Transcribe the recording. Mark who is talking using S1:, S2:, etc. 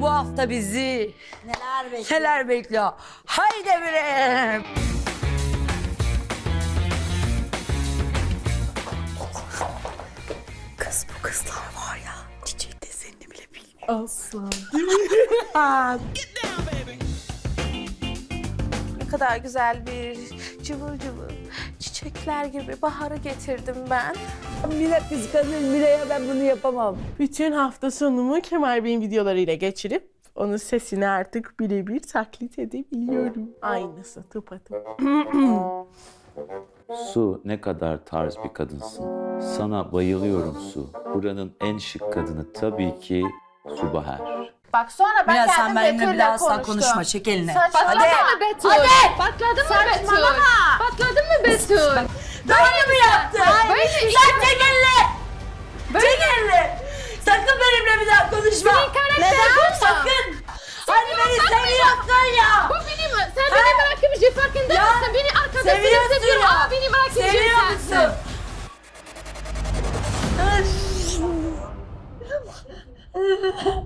S1: bu hafta bizi
S2: Neler bekliyor?
S1: neler bekliyor? Haydi bre! Kız bu kızlar var ya, çiçek desenini bile bilmiyor.
S3: Aslan. Ne kadar güzel bir cıvıl cıvıl çiçekler gibi baharı getirdim ben.
S2: Mine kıskanır. Mine'ye ben bunu yapamam.
S3: Bütün hafta sonumu Kemal Bey'in videolarıyla geçirip onun sesini artık birebir taklit edebiliyorum. Aynısı tıpatıp.
S4: Su, ne kadar tarz bir kadınsın. Sana bayılıyorum Su. Buranın en şık kadını tabii ki Su Bahar.
S3: Bak sonra ben
S1: Mine
S3: geldim
S1: sen benimle
S3: Betül'le
S1: bile asla
S3: konuştum.
S1: konuşma, çek elini.
S3: Saçmalama.
S5: Patladın mı Betül?
S3: Hadi.
S5: Patladın mı Betül?
S3: Saçmalama.
S5: Patladın mı Betül?
S1: Böyle mi yaptın?
S5: Böyle
S1: Sen çek elini! Çek elini! Sakın benimle bir daha konuşma!
S5: Neden?
S1: Sakın! Hani beni seviyorsun ya!
S5: Bu benim, sen beni bırakıp bir şey farkında
S1: Ya,
S5: mısın? Beni arkadaşını
S1: seviyorsun
S5: seviyorum
S1: ya.
S5: ama beni bırakıp bir şey
S1: Seviyor
S5: sensin.
S1: musun?